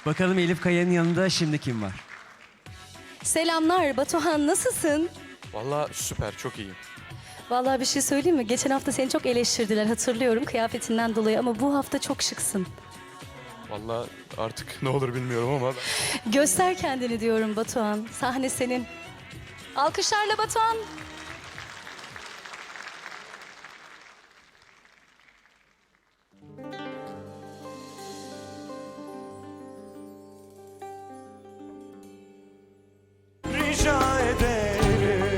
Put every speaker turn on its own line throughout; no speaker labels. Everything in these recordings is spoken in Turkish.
Bakalım Elif Kaya'nın yanında şimdi kim var?
Selamlar Batuhan, nasılsın?
Vallahi süper, çok iyiyim.
Vallahi bir şey söyleyeyim mi? Geçen hafta seni çok eleştirdiler, hatırlıyorum kıyafetinden dolayı ama bu hafta çok şıksın.
Vallahi artık ne olur bilmiyorum ama
Göster kendini diyorum Batuhan. Sahne senin. Alkışlarla Batuhan.
Rica ederim.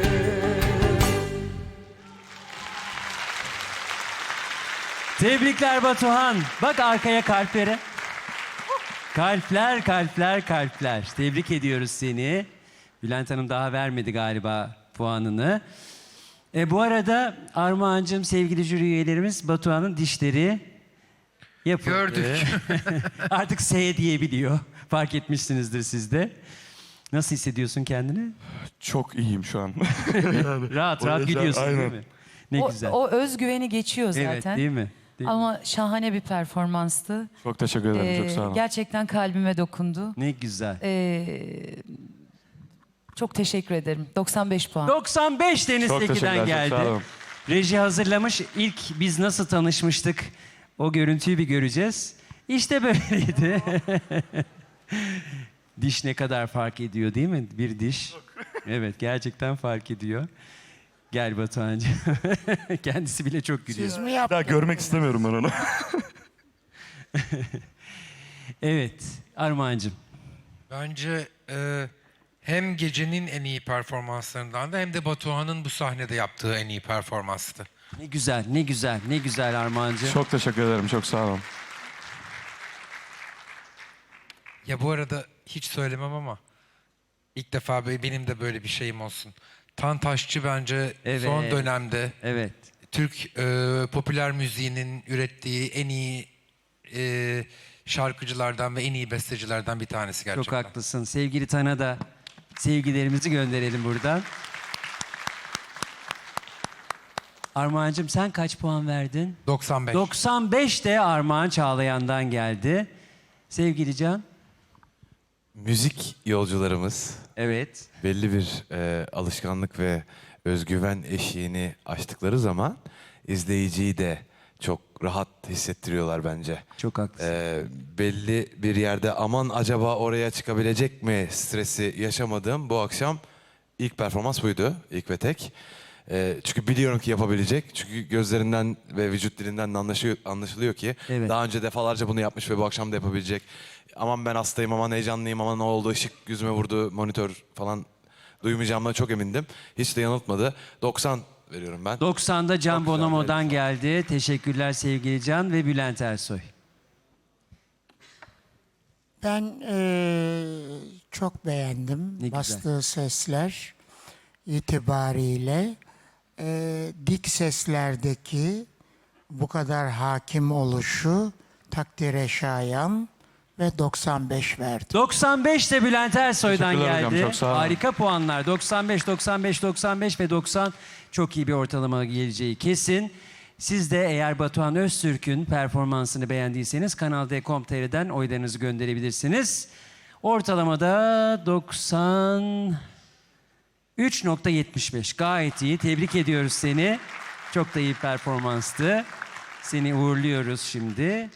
Tebrikler Batuhan. Bak arkaya kalplere. Kalpler, kalpler, kalpler. Tebrik ediyoruz seni. Bülent Hanım daha vermedi galiba puanını. Bu arada Armağan'cığım, sevgili jüri üyelerimiz, Batuhan'ın dişleri yapıldı.
Gördük.
Artık S diyebiliyor. Fark etmişsinizdir siz de. Nasıl hissediyorsun kendini?
çok iyiyim şu an.
Rahat
O
rahat
yüzden
gidiyorsun değil
aynen.
mi? Ne güzel.
O özgüveni geçiyor zaten.
Evet, değil mi? Değil mi?
Ama şahane bir performanstı.
Çok teşekkür ederim, çok sağ olun.
Gerçekten kalbime dokundu.
Ne güzel.
Çok teşekkür ederim. 95 puan.
95 Deniz
Çok
Tekin'den
teşekkürler,
geldi.
çok sağ olun.
Reji hazırlamış. İlk biz nasıl tanışmıştık, o görüntüyü bir göreceğiz. İşte böyleydi. Diş ne kadar fark ediyor değil mi? Bir diş. Evet, gerçekten fark ediyor. Gel Batuhan'cığım. Kendisi bile çok gülüyor.
Bir daha görmek istemiyorum ben onu.
Evet, Armağan'cığım.
Bence hem gecenin en iyi performanslarından da hem de Batuhan'ın bu sahnede yaptığı en iyi performanstı.
Ne güzel, ne güzel, ne güzel Armağan'cığım.
Çok teşekkür ederim, çok sağ olun.
Ya bu arada hiç söylemem ama ilk defa benim de böyle bir şeyim olsun. Tantaşçı bence
Evet.
son dönemde
Evet.
Türk popüler müziğinin ürettiği en iyi şarkıcılardan ve en iyi bestecilerden bir tanesi gerçekten.
Çok haklısın. Sevgili Tan'a da sevgilerimizi gönderelim buradan. Armağan'cığım, sen kaç puan verdin?
95.
95 de Armağan Çağlayan'dan geldi. Sevgili Can.
Müzik yolcularımız
Evet.
belli bir alışkanlık ve özgüven eşiğini aştıkları zaman izleyiciyi de çok rahat hissettiriyorlar bence.
Çok haklısın.
Belli bir yerde aman acaba oraya çıkabilecek mi stresi yaşamadığım bu akşam ilk performans buydu. İlk ve tek. Çünkü biliyorum ki yapabilecek. Çünkü gözlerinden ve vücut dilinden de anlaşılıyor ki
Evet.
daha önce defalarca bunu yapmış ve bu akşam da yapabilecek. Aman ben hastayım, aman heyecanlıyım, aman ne oldu, ışık yüzüme vurdu, monitör falan duymayacağımdan çok emindim. Hiç de yanıltmadı. 90 veriyorum ben.
90'da Can
Çok güzel,
Bonomo'dan
evet.
geldi. Teşekkürler sevgili Can ve Bülent Ersoy.
Ben çok beğendim
Ne güzel.
bastığı sesler itibariyle. Dik seslerdeki bu kadar hakim oluşu takdire şayan ve 95 verdim.
95 de Bülent Ersoy'dan
Teşekkürler hocam,
geldi.
çok sağ olun.
Harika puanlar. 95, 95, 95 ve 90 çok iyi bir ortalama geleceği kesin. Siz de eğer Batuhan Öztürk'ün performansını beğendiyseniz Kanal D.com.tr'den oylarınızı gönderebilirsiniz. Ortalamada 93.75. Gayet iyi. Tebrik ediyoruz seni. Çok da iyi performanstı. Seni uğurluyoruz şimdi.